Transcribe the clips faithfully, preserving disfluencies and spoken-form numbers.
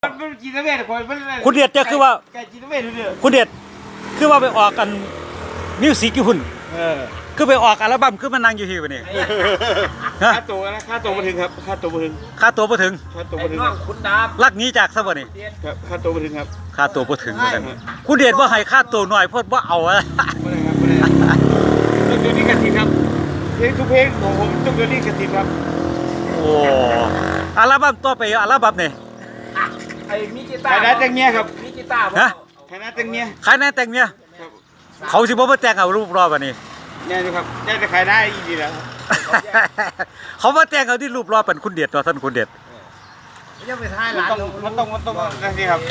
มันจีนเวทคนมันคุณเดชจะคือว่าแกจีนเวทเลยคุณเดชคือว่าไปออกกันมิวสิกกี่หุ่นคือไปออกอัลบั้มคือมันนั่งอยู่ที่วันนี้ค่าตัวนะค่าตัวมาถึงครับค่าตัวมาถึงค่าตัวมาถึงค่าตัวมาถึงคุณดาบลักนี้จากซะบ่นี่ครับค่าตัวมาถึงครับค่าตัวมาถึงเหมือนกันคุณเดชว่าให้ค่าตัวหน่อยเพราะว่าเอาอะไม่ได้ครับไม่ได้ต้องเดือนนี้กระถิ่นครับเพลงทุกเพลงของผมต้องเดือนนี้กระถิ่นครับโอ้อัลบั้มต่อไปอัลบั้มนี่ไอ้มีกีตาร์คณะแต่งเมียครับมีกีตาร์ฮะคณะแต่งเมียใครแน่แต่งเมียเขาสิบ่มาแต่งเอารูปรอบ่นี่เนี่ยนะครับได้จะขายได้อีกดีแล้วเขามาแต่งเอาที่รูปรอเป็นคุณเดชตัวท่านคุณเดชยังไปท้ายหลานมันต้องมันต้องนั่นสิครับ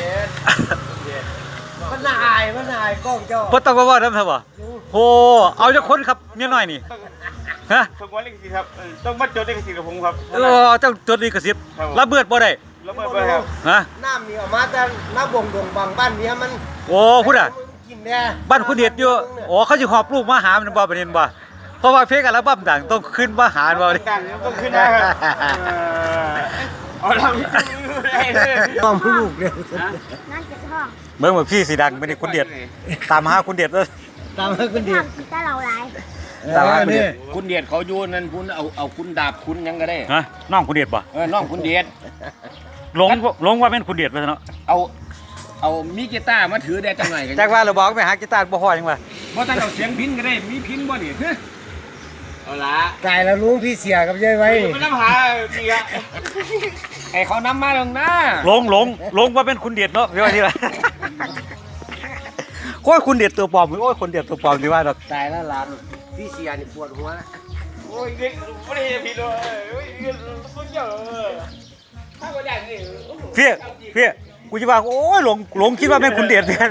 มันนายมันนายกล้องเจ้าบ่ต้องมาว่าทำซะบ่โหเอาจักคนครับเมียน้อยนี่ฮะต้องว่าเลขสิครับต้องมาจดเลขสิกับผมครับเออเจ้าจดลิขสิทธิ์ระเบิดบ่ได้ระเบิดบ่ครับฮะน้ำนี่ออกมาแต่น้ำบ่งดงบางบ้านเนี้ยมันโอ้พุ่นอ่ะบ้านคุณเดชอยู่อ๋อเขาสิหอบลูกมาหามันบ่ประเด็นบ่เพราะว่าเพลงอัลบั้มดังต้องขึ้นมาหาบ่นี่ต้องขึ้นได้ครับอ๋อเราต้องลูกเลยนั่นจะท้องเบิ่งว่าพี่สิดังไม่ได้คุณเดชตามหาคุณเดชเลยตามหาคุณเดชถ้าเราหลายตามหาคุณเดชคุณเดชเขาอยู่นั่นคุณเอาเอาคุณดาบคุณยังก็ได้ฮะน้องคุณเดชบ่เออน้องคุณเดชหลงหลงว่าเป็นคุณเดชไปซะเนาะเอาเอามีกีตาร์มาถือได้จังไหนกันจักว่าเราบอกไปหากีตาร์บ่พอจังว่าบ่ต้องเอาเสียงพินก็ได้มีพินบ่นี่เอาละกายแล้วลุงพี่เสียกับยายไว้ไม่ต้องหาจริงอะไอ้เขานำมาลงหน้าหลงหลงหลงว่าเป็นคุณเดชเนาะพี่ว่าที่ไรโอ้ยคุณเดชตัวปลอมโอ้ยคุณเดชตัวปลอมที่ว่าดอกตายแล้วหลานพี่เสียนี่ปวดหัวนะโอ้ยเด็กไม่ได้ผิดเลยโอ้ยเด็กสุดยอดถ้าก็ได้นี่เพี่เพี่กูจะว่าโอ้ยหลงหลงคิดว่าเป็นคุณเดชเนี่ย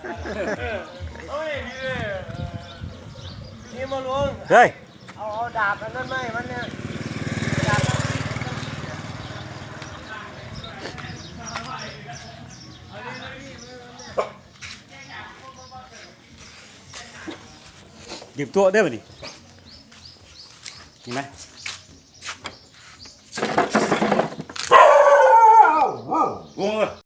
นี่มาลุงเฮ้ยเอาเอาดาบอันนั้นไหมมันเนี่ยดาบหยิบตัวได้ป่ะดิเห็นไหม